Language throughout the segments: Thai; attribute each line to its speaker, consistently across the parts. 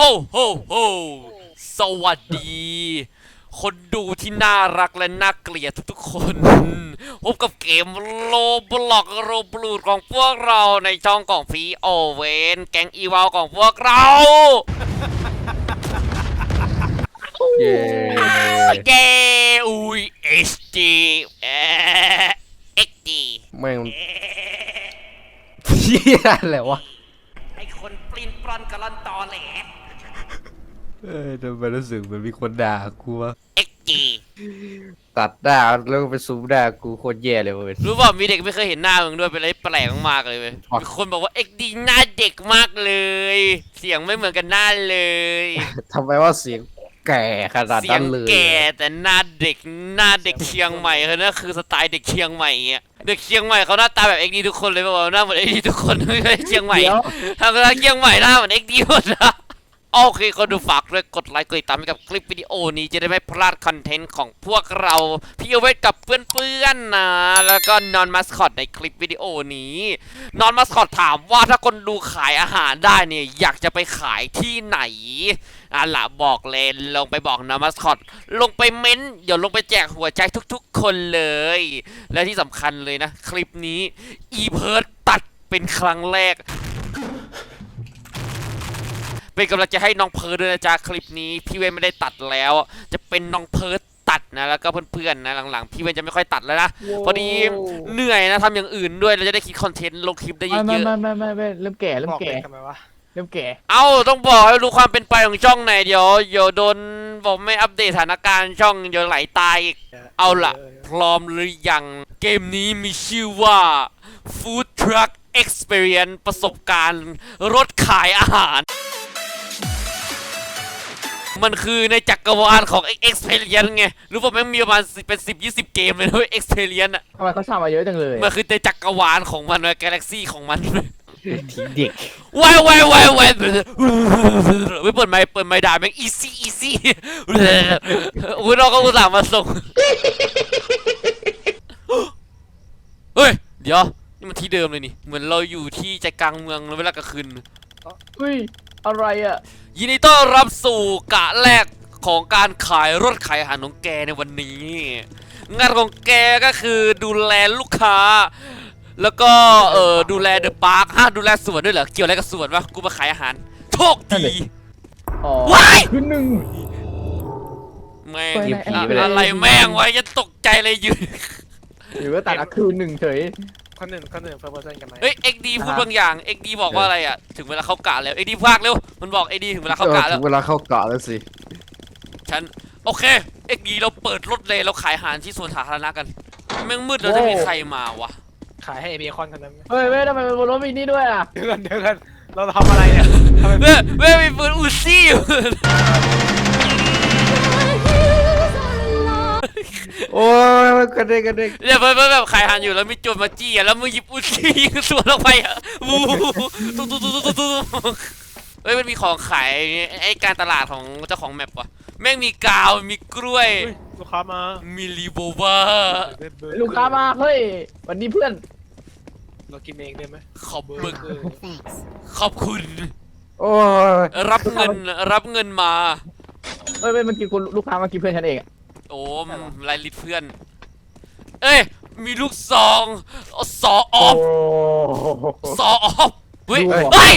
Speaker 1: โฮโฮสวัสดี คนดูที่น่ารักและน่าเกลียดทุกๆคนพบกับเกมโลบล็อกโรบลูดของพวกเราในช่องของพีโอเวนแก๊งอีวาลของพวกเรา
Speaker 2: เย้
Speaker 1: เย้อุ้ยเอชดีเอ็กดี
Speaker 2: แม่งเฮียอะไรวะ
Speaker 1: ไอคนปลิ้นปลอนกะลอนตอแหล
Speaker 2: ทำไมรู้สึกเหมือนมีคนด่ากูวะ
Speaker 1: เอ็กดี
Speaker 2: ตัดหน้าแล้วก็ไปซูมหน้ากูโคตรแย่เลยเว้ย
Speaker 1: รู้ป่ะมีเด็กไม่เคยเห็นหน้ามึงด้วยเป็นอะไรแปลกมากเลยเว้ยมีคนบอกว่าเอ็กดีหน้าเด็กมากเลยเสียงไม่เหมือนกันหน้าเลย
Speaker 2: ทำไมว่าเสียงแก่ขนาดนั้นเลย
Speaker 1: เสียงแก่แต่หน้าเด็กเชียงใหม่นั่นคือสไตล์เด็กเชียงใหม่เงี้ยเด็กเชียงใหม่เขาหน้าตาแบบเอ็กดีทุกคนเลยป่ะหน้าเหมือนเอ็กดีทุกคนไม่ใช่เชียงใหม่ทางเชียงใหม่หน้าเหมือนเอ็กดีหมดนะโอเคคนดูฝากด้วยกดไลค์กดติดตามให้กับคลิปวิดีโอนี้จะได้ไม่พลาดคอนเทนต์ของพวกเราพี่เอาไว้กับเพื่อนๆนะแล้วก็นอนมาสคอตในคลิปวิดีโอนี้นอนมาสคอตถามว่าถ้าคนดูขายอาหารได้เนี่ยอยากจะไปขายที่ไหนล่ะบอกเลยลงไปบอกนอนมาสคอตลงไปเม้นเดี๋ยวลงไปแจกหัวใจทุกๆคนเลยและที่สำคัญเลยนะคลิปนี้อีเพิร์ดตัดเป็นครั้งแรกเป็นกำลังจะให้น้องเพิร์ดด้วยนะจ๊ะคลิปนี้พี่เวนไม่ได้ตัดแล้วจะเป็นน้องเพิร์ดตัดนะแล้วก็เพื่อนๆนะหลังๆพี่เวนจะไม่ค่อยตัดแล้วนะพอดีเหนื่อยนะทำอย่างอื่นด้วยเราจะได้คิดคอนเทนต์ลงคลิปได้เยอะๆ
Speaker 3: ไม่เริ่มแก่ทำไมวะเริ่มแก่
Speaker 1: เอ้าต้องบอกให้รู้ความเป็นไปของช่องไหนเดี๋ยวโดนบอกไม่อัปเดตสถานการณ์ช่องเดี๋ยวไหลตายอีกเอาล่ะพร้อมหรือยังเกมนี้มีชื่อว่า Food Truck Experience ประสบการณ์รถขายอาหารมันคือในจักรวาลของ Experience ไงรู้ป่ะแม่งมีประมาณเป็น10-20 เกมเลยนะเว้ย Experience อะ
Speaker 3: ทำไมเขาสร้างมาเยอะจังเลย
Speaker 1: มันคือในจักรวาลของมันกาแล็กซี่ของมัน
Speaker 2: ทีเด็ก
Speaker 1: ว้ายไม่เปิดไมค์ด่าแม่ง easy อุ้ยเราก็อุตส่าห์มาส่งเฮ้ยเดี๋ยวนี่มันที่เดิมเลยนี่เหมือนเราอยู่ที่ใจกลางเมืองเวลากลางคืน
Speaker 3: เฮ้ยอะไรอ่ะ
Speaker 1: ยินดีต้อนรับสู่กะแรกของการขายรถขายอาหารของแกในวันนี้งานของแกก็คือดูแลลูกค้าแล้วก็ดูแลเดอะพาร์คดูแลสวนด้วยเหรอเกี่ยวอะไรกับสวนวะกูมาขายอาหารโชคดีว้าย
Speaker 3: ขึ้นหนึ่ง
Speaker 1: แม่งอะไรแม่งวะจะตกใจเลยยืน
Speaker 3: หรือว่าตัดคืนหนึ่งเฉย
Speaker 4: ข้อหนึ่งเพิ่มเส้นกันไหม
Speaker 1: เฮ้ยเอ็กดีพูดบางอย่างเอ็กดีบอกว่าอะไรอ่ะถึงเวลาเข้ากะแล้วเอ็กดีพากเร็วมันบอกเอ็กดีถึงเวลาเข้ากะแล้ว
Speaker 2: ถึงเวลาเข้ากะแล้วสิ
Speaker 1: ฉันโอเคเอ็กดีเราเปิดรถเลยเราขายอาหารที่สวนสาธารณะกันแม่งมืดแล้วจะมีใครมาวะ
Speaker 4: ขายให้เบคอนกันได้ไหม
Speaker 3: เฮ้ยทำไมบนรถมีนี่ด้วยอ่ะ
Speaker 4: เดี๋ยวกันเราทำอะไรเนี่ย
Speaker 1: เว้ยมีปืนอูซี่อยู่
Speaker 2: โอ้ยกันเด็ก
Speaker 1: เนี่ยเพื่อนแบบขายอาหารอยู่แล้วมีโจรมาจี้แล้วมึงหยิบอูซี่ยิงสวนลงไปอ่ะวูเฮ้ยมันมีของขายไอ้การตลาดของเจ้าของแมปวะแม่งมีกาวมีกล้วย
Speaker 4: ลูกค้ามา
Speaker 1: มีรีโบวา
Speaker 3: ลูกค้ามาเฮ้ยวันนี้เพื่อน
Speaker 4: เรากินเองได้ไหม
Speaker 1: ขอบคุณ
Speaker 2: โอ้ย
Speaker 1: รับเงินมา
Speaker 3: เฮ้ยมันกินลูกค้ามากินเพื่อนฉันเอง
Speaker 1: โอ้ไล่ลิดเพื่อนเอ้ยมีลูกซองสออฟเฮ้ย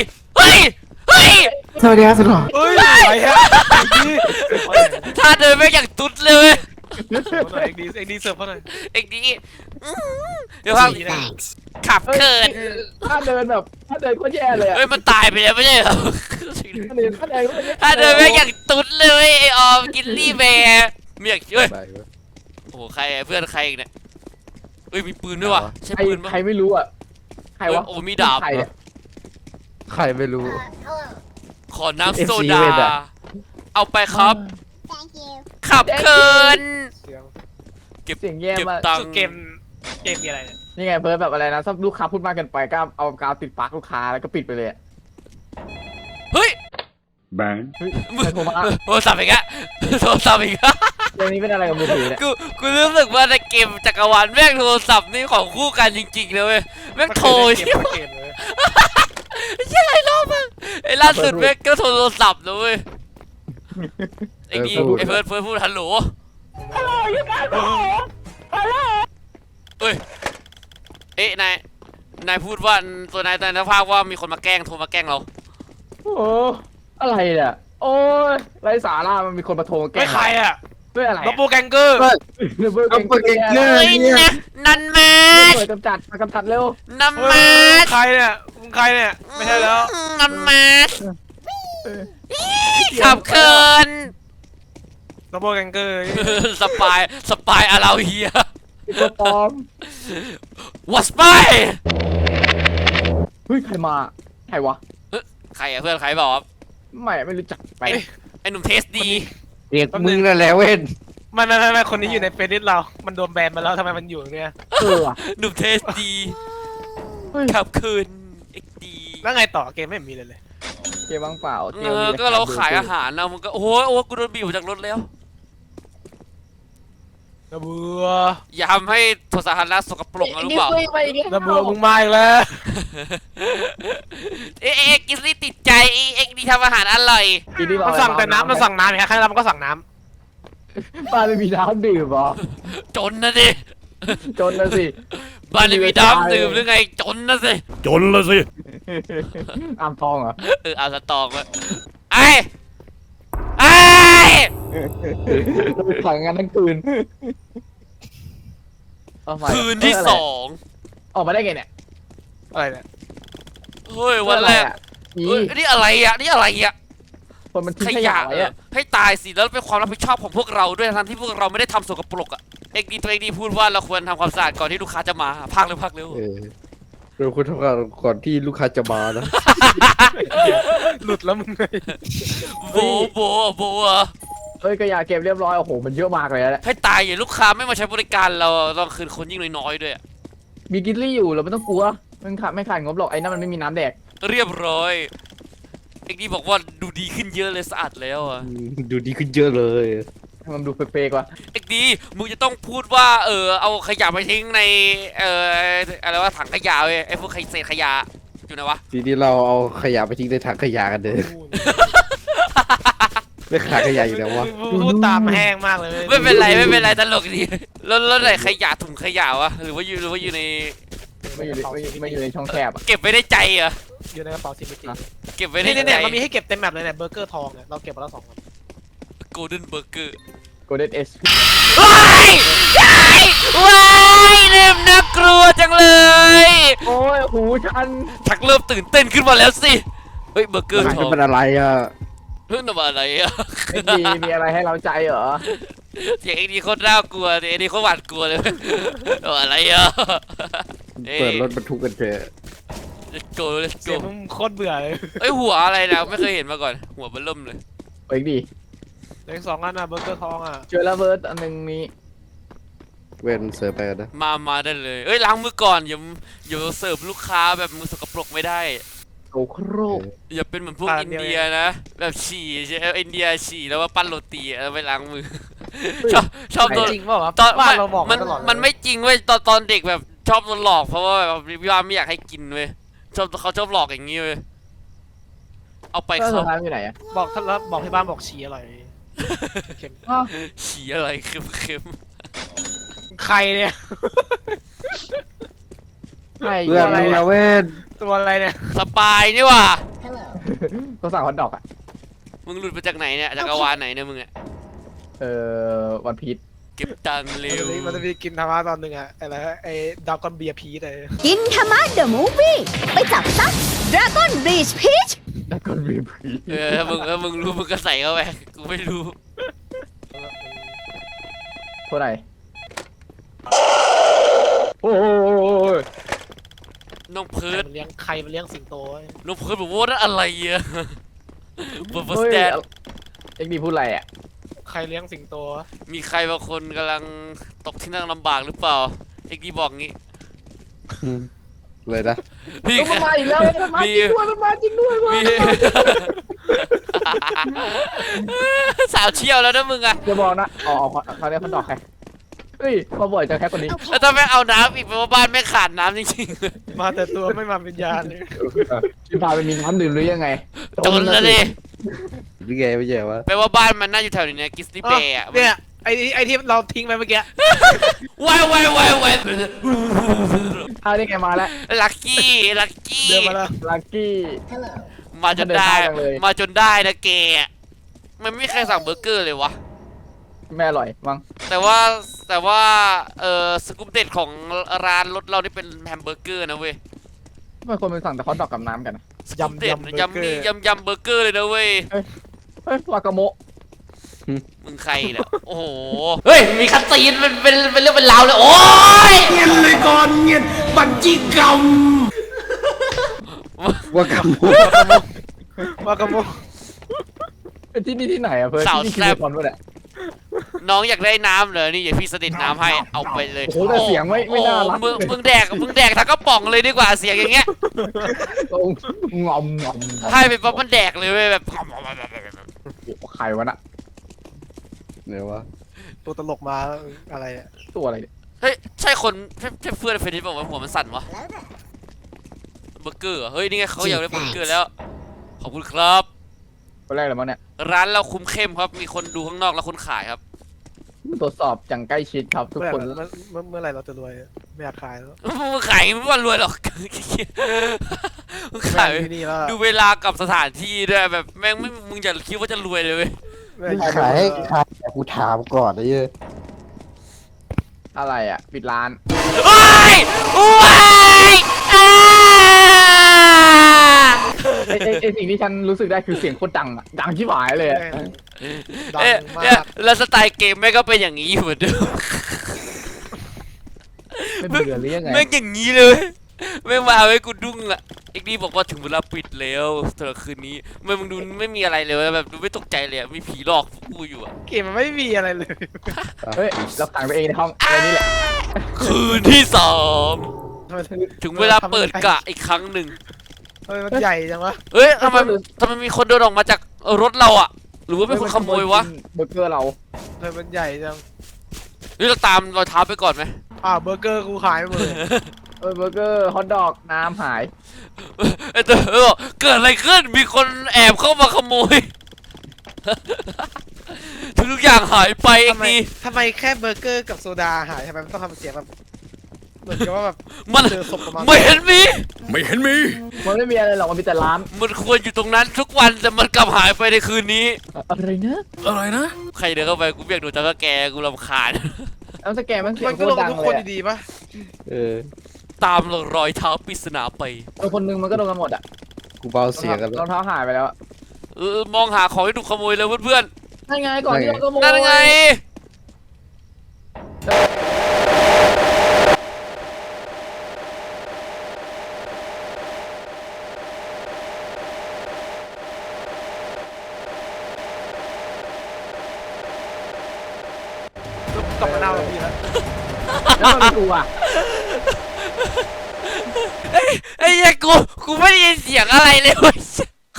Speaker 2: สวัสดีครับสุดหล่อ
Speaker 4: เฮ้ยไปฮะ
Speaker 1: ถ้าเดินไม่อย่างตุ๊ดเลย
Speaker 4: เอ็กดีเสิร์ฟเขาหน่อย
Speaker 1: เอ็กดีเดี๋ยวครับขับเกิน
Speaker 3: ถ้าเดินก็แย่เลย
Speaker 1: เฮ้ยมันตายไปแล้วไม่ใช่เหรอถ้าเดินไม่อย่างตุ๊ดเลยไอออมกินลี่แบร์ไม่อยากเฮ้ยโอ้ใครเพื่อนใครอีกเนี่ยเฮ้ยมีปืนด้วยวะใช่ปืน
Speaker 3: ใครไม่รู้อ่ะใครวะ
Speaker 1: โอ้มีดาบ
Speaker 2: ใครไม่รู้
Speaker 1: ขอน้ำโซดาเอาไปครับขับเกิน
Speaker 3: เก็บเสียงแย่มาก
Speaker 4: เกมมีอะไรเนี่ย
Speaker 3: นี่ไงเพิ่มแบบอะไรนะถ้าลูกค้าพูดมากเกินไปก็เอากาวติดปากลูกค้าแล้วก็ปิดไปเลย
Speaker 1: เฮ้ย
Speaker 2: แบง
Speaker 1: โทรศัพท์อีกอะโทรศัพท์อีกอะ
Speaker 3: เรื่องนี้เป็นอะไรกับมือถือเนี่ย
Speaker 1: กูรู้สึกว่าในเกมจักรวาลแม่งโทรศัพท์นี่ของคู่กันจริงๆเลยเว้ยแม่งโทรใช่ไหมใช่ไรรอบมั้งไอ้ล่าสุดเว้ยก็โทรศัพท์นะเว้ยไอ้ดีไอ้เฟิร์สพูดฮัลโหลเอ้ยเอ๊ะนายพูดว่าตัวนายภาพว่ามีคนมาแกล้งโทรมาแกล้งเรา
Speaker 3: โอ้อะไรเนี่ยโอ้ยไรสาระมันมีคนมาโทรแกล้
Speaker 4: ไม่
Speaker 3: ง
Speaker 4: ใครอ่ะ
Speaker 3: ด้วยอะไร
Speaker 4: ดับเบิลแกงเกอร์
Speaker 3: เบอร์
Speaker 2: เอาเปิดเก่งเกิ
Speaker 1: เฮ้ย
Speaker 2: นเนี่ย
Speaker 1: นะนันมา
Speaker 3: เปิดกำจัดเร็ว
Speaker 1: นัน
Speaker 4: เฮ้
Speaker 1: มาย
Speaker 4: ใครเนี่ยมึงใครเนี่ยไม่ใช่แล้ว
Speaker 1: นันมาขับเคิน
Speaker 4: ดับเบิลแกงเกอร์
Speaker 1: สปายอาราเฮีย
Speaker 3: ตัวปลอม
Speaker 1: วอสไป
Speaker 3: เฮ้ยใครมาใครวะ
Speaker 1: ใครอะเพื่อนใครบอก
Speaker 3: ไม่รู้จักไป
Speaker 1: ไอ้หนุ่มเทสดี
Speaker 2: เรียกมึงนั่นแหละเว้น
Speaker 4: ไม่คนนี้อยู่ในเฟซบุ๊กเรา มันโดนแบนมาแล้วทำไมมันอยู่เนี่ย
Speaker 3: ว่ะ
Speaker 1: หนุ่มเทสดี
Speaker 3: เฮ้ย
Speaker 1: ขับคืนเอ็กดี
Speaker 4: แล้วไงต่อเกมไม่เห็นมีเลย
Speaker 3: เกมว่างเปล่า
Speaker 1: ก็เราขายอาหารนะมันก็โอ้ยกูโดนบีบออกจากรถแล้ว
Speaker 4: ระเบือ
Speaker 1: อย่าทำให้โทรสาธารณะสกปรกนะรู้เปล่า
Speaker 4: ระเบือมึงมาอีกแล้ว
Speaker 1: เอ็กกินซี่ติดใจเอ็กดีทำอาหารอร่อย
Speaker 4: มันสั่งแต่น้ำมันสั่งน้ำอย่างครั้งแล้วมันก็สั่งน้
Speaker 3: บ้านไม่มีน้ำดื่มหรอ
Speaker 1: จนนะดิ
Speaker 3: จนนะสิ
Speaker 1: บ้านไม่มีน้ำดื่มหรือไงจนนะสิ
Speaker 5: จนละสิ
Speaker 3: อ่างทองเหรอ
Speaker 1: เอาสตองมาไอ้
Speaker 3: ขังงานทั้งคืน
Speaker 1: คืนที่สอง
Speaker 3: ออกมาได้ไงเนี่ย
Speaker 4: ำอะไรเนี่ย
Speaker 1: เฮ้ยวันแรก
Speaker 3: นี่
Speaker 1: เฮ้ยนี่อะไรอ่ะนี่อะไรอ่ะ
Speaker 3: คนมันทิ้
Speaker 1: ข
Speaker 3: งขยะ
Speaker 1: ยะ
Speaker 3: ไว้อะ
Speaker 1: ให้ตายสิแล้วเป็นความรับผิดชอบของพวกเราด้วยทั้งที่พวกเราไม่ได้ทำสกปรกอ่ะเอ็กดีตัวเองดีพูดว่าเราควรทำความสะอาดก่อนที่ลูกค้าจะมาพักเร็ว
Speaker 2: เราควรทำงานก่อนที่ลูกค้าจะมานะ
Speaker 4: หลุดแล้วมึงเลย
Speaker 1: โบอ่ะ
Speaker 3: เอ้ยขยะเก็บเรียบร้อยโอ้โหมันเยอะมากเลยแหละ
Speaker 1: ให้ตายอย่าลูกค้าไม่มาใช้บริการเราต้องคืนคนยิ่งน้อยๆด้วยอะ
Speaker 3: มีกินลี่อยู่เราไม่ต้องกลัวมันขาดไม่ขาดงบหรอกไอ้นั่นมันไม่มีน้ำแดก
Speaker 1: เรียบร้อยเอ็กดีบอกว่าดูดีขึ้นเยอะเลยสะอาดแล้วอ่ะ
Speaker 2: ดูดีขึ้นเยอะเลย
Speaker 3: ให้มันดูเฟกๆว่ะ
Speaker 1: เอ็กดีมึงจะต้องพูดว่าเอาขยะไปทิ้งในอะไรว่าถังขยะเว้ยไอ้พวกเศษขยะอยู่ไหนวะ
Speaker 2: ทีนี้เราเอาขยะไปทิ้งในถังขยะกันเด้อไม่ขาดขยะอยู่แล้ววะ
Speaker 4: พูดตามแห้งมากเลย
Speaker 1: ไม่เป็นไรตลกดีแล้วไหนขยะถุงขยะวะหรือว่าอยู่ใน
Speaker 3: ไม่อยู่ในช่องแคบอ่ะ
Speaker 1: เก็บไว้ในใจเหรอ
Speaker 4: อยู่ในกระเป๋าซิมจิ
Speaker 1: เก็บไว้ใน
Speaker 4: นี่
Speaker 1: ใจ
Speaker 4: เนี่ยมันมีให้เก็บเต็มแมปเลยเนี่ยเบอร์เกอร์ทองเนี่ยเราเก็บมาแล้ว2 อัน
Speaker 1: โกลเด้นเบอร์เกอร์
Speaker 3: โกลเด้นเอส
Speaker 1: ว้ายเริ่มน่ากลัวจังเลย
Speaker 3: โอ้ยหูฉัน
Speaker 1: ชักเริ่มตื่นเต้นขึ้นมาแล้วสิเฮ้ยเบอร์เกอร์ท
Speaker 2: จะ
Speaker 1: อง
Speaker 2: เป็นอะไรอ่ะ
Speaker 1: เฮ้ยนั่นมันอะไรอะ
Speaker 3: มีอะไรให้เราใจเหรอ
Speaker 1: เสียงเอ็กดีโคตรน่ากลัวเสียงเอ็กดีโคตรหวาดกลัวเลยอะไรอะ
Speaker 2: เปิดรถบรรทุกกันเถอะ
Speaker 1: let's go let's
Speaker 4: เสีย
Speaker 1: go
Speaker 4: งมึงโคตรเบื่อเลย
Speaker 1: เอ้ยหัวอะไรนะไม่เคยเห็นมาก่อนหัวเบลเริ่มเลย
Speaker 3: เอ้ยดี
Speaker 4: เหลือ2 อันอ่ะเบอร์เกอร์ทองอ่ะ
Speaker 3: เจอระเบิดอันหนึงมี
Speaker 2: เว้นเสิร์ฟไปกันนะ
Speaker 1: มาได้เลยเอ้ยล้างมือก่อนอย่าเสิร์ฟลูกค้าแบบมือสกปรกไม่ได้
Speaker 3: โอ้โครก
Speaker 1: อย่าเป็นเหมือนพวกอินเดียนะแบบฉี่ใช่อินเดียฉี่แล้วว่าปั้นโรตีแล้วไปล้างมือชอบโดน
Speaker 4: จริงเปล่าวะ
Speaker 1: ตอน
Speaker 4: บ้านเราบอก
Speaker 1: มัน
Speaker 4: ตลอดเลย
Speaker 1: มันไม่จริงเว้ยตอนเด็กแบบชอบโดนหลอกเพราะว่าแบบพี่ว่าไม่อยากให้กินเว้ยเขาชอบหลอกอย่างนี้เว้ยเอาไป
Speaker 3: แล้วสุ
Speaker 1: เขา
Speaker 3: ดท้ายอยู่ไหนอ่ะ
Speaker 4: บอกท่านแล้วบอกที่บ้านบอกฉี่อร่อยเค็ม
Speaker 1: ฉี่อะไรเค็ม
Speaker 4: ใครเนี่ย
Speaker 3: ใช่
Speaker 2: เพื่อน
Speaker 3: อะไร
Speaker 2: มึง
Speaker 3: อะ
Speaker 2: นะเว้น
Speaker 4: ตัวอะไรเนี่ย
Speaker 1: สปายนี่ว่ะ
Speaker 3: เขาสั่งฮอทดอกอ่ะ
Speaker 1: มึงหลุดมาจากไหนเนี่ยจักรวาลไหนเนี่ยมึงอะ
Speaker 3: วันพีช
Speaker 1: เก็บตังค์เร็ว
Speaker 4: มันจะมีกินธรรมะตอนหนึ่งอะอะไรไอ้ดาวกอนเบียร์พีชเลย
Speaker 6: กินธรรมะเดอะมูฟวี่ไปจับซักดราก้อนบลีชพีช
Speaker 3: แล้วก็วีพี
Speaker 1: ถ้ามึงรู้มึงก็ใส่เข้าไปกูไม่รู้
Speaker 3: เท่าไหร่โอ้ย
Speaker 1: น้องเพิร์ด
Speaker 4: มันเลี้ยงใครมันเลี้ยงสิงโตไว้
Speaker 1: น้องเพิร์ดบอกว่านั่นอะไรอะบนสแตน
Speaker 3: เอ็กดีพูดอะไรอ่ะ
Speaker 4: ใครเลี้ยงสิงโตวะ
Speaker 1: มีใครบางคนกำลังตกที่นั่งลำบากหรือเปล่าเอ็กดีบอกงี้
Speaker 2: เลยนะ
Speaker 1: พี่
Speaker 3: มันมาอีกแล้วมันมาจริงด้วยมันมาจริงด้วย
Speaker 1: มี สาวเชี่ยวแล้วนะมึงอะ
Speaker 3: จะบอกนะอ๋อเขาเรียกฮอทดอกใครเฮ้ยมาบ่อยจังแค่คนนี้
Speaker 1: แล้วถ้าไม่เอาน้ำอีกแปลว่าบ้านไม่ขาดน้ำจริง
Speaker 4: มาแต่ตัวไม่มาเป็นยานเลย
Speaker 3: พี่พาไปมีน้ำดื่มหรือยังไง
Speaker 1: ๆจนแล้วดิ
Speaker 2: หรือไงไม่ใช่วะ
Speaker 1: แปลว่าบ้านมันน่าอยู่แถวนี้นะกิสตี้เบย์อ่ะ
Speaker 4: เนี่ยไอ้ที่เราทิ้งไปเมื่อกี้
Speaker 1: ว้ายว้ายว้ายว้าย
Speaker 3: อ้าวนี่ไงมาแล้ว
Speaker 1: ลักกี้ลักกี้
Speaker 4: เดินมาแล้ว
Speaker 3: ลักกี้
Speaker 1: มาจนได้
Speaker 3: เดินทางเลย
Speaker 1: มาจนได้นะแกมันไม่มีใครสั่งเบอร์เกอร์เลยวะ
Speaker 3: ไม่อร่อยมั้ง
Speaker 1: แต่ว่าสกู๊ปเด็ดของร้านรถเรานี่เป็นแฮมเบอร์เกอร์นะเว้ย
Speaker 3: ทำไมคนมันสั่งแต่ฮอทดอกกับน้ำกันอะ
Speaker 1: สกู๊ปเด็ดยำมียำเบอร์เกอร์เลยนะเว้ย
Speaker 3: เฮ้ยวากาโมะ
Speaker 1: มึงใครเนี่ยโอ้โหเฮ้ยมีคัตซีนเป็นเรื่องเป็นราวเลยโอ้ย
Speaker 5: เงียบเลยก่อนเงียบบัญชีกรรม
Speaker 2: ว่ากำมู
Speaker 4: วากาโม
Speaker 3: เป็นที่นี่ที่ไหนอะเพื่อนที่นี่คือคอนวะเนี่ย
Speaker 1: น้องอยากได้น้ำเหรอนี่อย่าพี่สนิทน้ำให้เอาไปเลย
Speaker 3: โอ้โหแต่เสียงไม่น่ารัก
Speaker 1: มึงแดกทั้งกระป๋องเลยดีกว่าเสียงอย่างเงี้ย
Speaker 3: ตรงงอมงอม
Speaker 1: ให้ไปปั๊บมันแดกเลยเว้ยแบบ
Speaker 3: ใครวะน่ะ
Speaker 2: เดี๋ยววะ
Speaker 4: ตัวตลกมาอะไรอะ
Speaker 3: ตัวอะไรเนี่ย
Speaker 1: เฮ้ยใช่คนใช่เพื่อนเฟรนด์บอกว่าหัวมันสั่นวะเบอร์เกอร์เหรอเฮ้ยนี่ไงเขาอยากได้เบอร์เกอร์แล้วขอบคุณครับ
Speaker 3: คนแรกเลยมั้งเนี่ย
Speaker 1: ร้านเราคุมเข้มครับมีคนดูข้างนอกแล้วคนขายครับ
Speaker 3: ตรวจสอบอย่างใกล้ชิดครับทุกคน
Speaker 4: เมื่อไหร่เราจะรวยไม่อยากขายแล้ว
Speaker 1: มึงขายไม่ว่ารวยหรอกมึงขาย
Speaker 4: ที่นี่แล้ว
Speaker 1: ดูเวลากับสถานที่ด้วยแบบแม่งไม่มึงจะคิดว่าจะรวยเลยเว้ย
Speaker 2: ขายให้ขายแต่กูถามก่อนนะเย้ย
Speaker 3: อะไรอะปิดร้าน
Speaker 1: โอ้ยโอ้ยอ่า
Speaker 3: ไอสิ่งที่ฉันรู้สึกได้คือเสียงโคตรดังอะดังชิบหายเลยอะ
Speaker 4: ดัง
Speaker 1: เอ๊ะ
Speaker 4: มา
Speaker 1: เอ๊ะ
Speaker 4: ก
Speaker 1: แล้วสไตล์เกมแม่งก็เป็นอย่างนี้อยู่เหมือนเดิม
Speaker 3: ไม่เบื่อหรือยังไง
Speaker 1: แม่งอย่างนี้เลยแม่งมาเอาให้กูดุ้งอ่ะเอ็กดีบอกว่าถึงเวลาปิดแล้วสำหรับคืนนี้มึงดูไม่มีอะไรเลยแบบดูไม่ตกใจเลยอะมีผีหลอกพวกกูอยู่อะ
Speaker 4: เกมมันไม่มีอะไรเลย
Speaker 3: เฮ้ยเราขังตัวเองในห้องอะไรนี่แหละ
Speaker 1: คืนที่สอง
Speaker 4: ทำไม
Speaker 1: ถึงเวลาเปิดกะอีกครั้งหนึ่ง
Speaker 4: ทำไมมันใหญ่จังวะ
Speaker 1: เฮ้ยทำไมมีคนเดินออกมาจากรถเราอะหรือว่าเป็นคนขโมยวะ
Speaker 3: เบอร์เกอร์เรา
Speaker 4: ทำไมมันใหญ่จัง
Speaker 1: หรือเราตามรอยเท้าไปก่อนไหม
Speaker 4: เบอร์เกอร์กูขายไปหมดเลย
Speaker 3: เบอร์เกอร์ฮอทดอกน้ำหาย
Speaker 1: ไอ้เต๋อบอกเกิดอะไรขึ้นมีคนแอบเข้ามาขโมย ทุกอย่างหายไปเอ็กดี
Speaker 4: ทำไมแค่เบอร์เกอร์กับโซดาหายทำไมมันต้องทำเสียงแบบเหมือนกับว่าแบบ
Speaker 1: มัน
Speaker 4: เจอศพประมาณ
Speaker 1: ไม่เห็นมี
Speaker 5: ไม่เห็นมี
Speaker 3: มันไม่มีอะไรหรอกมันมีแต่ร้าน
Speaker 1: มันควรอยู่ตรงนั้นทุกวันแต่มันกลับหายไปในคืนนี้
Speaker 3: อะไรนะ
Speaker 5: อะไรนะ
Speaker 1: ใครเดินเข้าไปกูเบียกดูจักรแกกูรำคาญ
Speaker 3: แล้วสแกนมันเสีย
Speaker 4: มั
Speaker 3: ง
Speaker 4: น
Speaker 3: โค
Speaker 4: ก็
Speaker 3: ต
Speaker 4: ล
Speaker 3: รง ดัง
Speaker 4: ทุก
Speaker 3: เล
Speaker 4: คน
Speaker 3: ยอะ
Speaker 4: ดีๆปะ
Speaker 2: เออ
Speaker 1: ตามรอยเท้าปริศนาไป
Speaker 3: คนนึงมันก็โดนกันหมดอ่ะ
Speaker 2: กูเบาเสียงกัน
Speaker 3: ร
Speaker 2: แล้
Speaker 3: อ
Speaker 2: ว
Speaker 3: งเท้าหายไปแล้วอะ
Speaker 1: มองหาของที่ถูกขโมยเลยเพื่อน
Speaker 3: นั่นไงก่อนที่เราก็โม
Speaker 1: ๆนั่นไง
Speaker 4: กลับมาหน้าเราดีแล้ว
Speaker 3: แล้วมันดูอ่ะ
Speaker 1: ไอ้เหี้ยกูไม่ได้ยินเสียงอะไรเลยเว้ย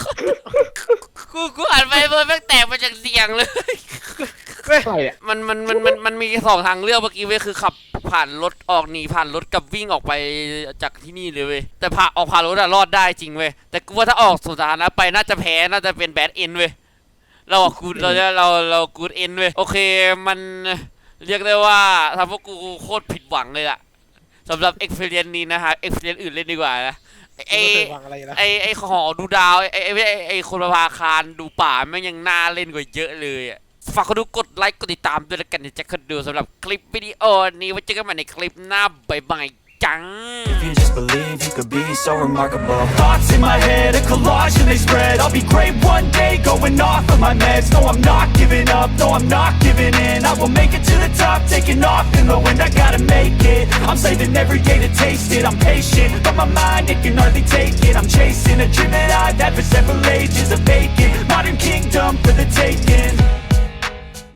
Speaker 1: กูอ่านไปเบอร์แม่งแตกมาจากเสียงเลย
Speaker 3: ใช่เนี่ย
Speaker 1: มันมีสองทางเลือกเมื่อกี้เว้ยคือขับผ่านรถออกหนีผ่านรถกับวิ่งออกไปจากที่นี่เลยเว้ยแต่ผ่านรถอะรอดได้จริงเว้ยแต่กูว่าถ้าออกสุดท้ายนะไปน่าจะแพ้น่าจะเป็นแบดเอ็นเว้ยเรากูดเอ็นเว้ยโอเคมันเรียกได้ว่าทำพวกกูโคตรผิดหวังเลยล่ะสำหรับเอ็กเพรียนนี้นะฮะเอ็กเพรียนอื่นเล่นดีกว่านะไอ
Speaker 4: ไม่เคยฟังอะไรนะ
Speaker 1: ไอหอดูดาวไอคนประภาคารดูป่าแม่งยังน่าเล่นกว่าเยอะเลยอ่ะฝากคนดูกดไลค์กดติดตามด้วยแล้วกันจะคนดูสำหรับคลิปวิดีโอนี้ไว้เจอกันใหม่ในคลิปหน้าบ๊ายบายจัง
Speaker 7: If you just believe you could be so remarkable. Thoughts in my head, a collage and they spread. I'll be great one day, going off of my meds. No, I'm not giving up, no, I'm not giving in. I will make it to the top, taking off in the wind. I gotta make it, I'm saving every day to taste it. I'm patient, but my mind, it can hardly take it. I'm chasing a dream that I've had for several ages. A vacant, modern kingdom for the taking.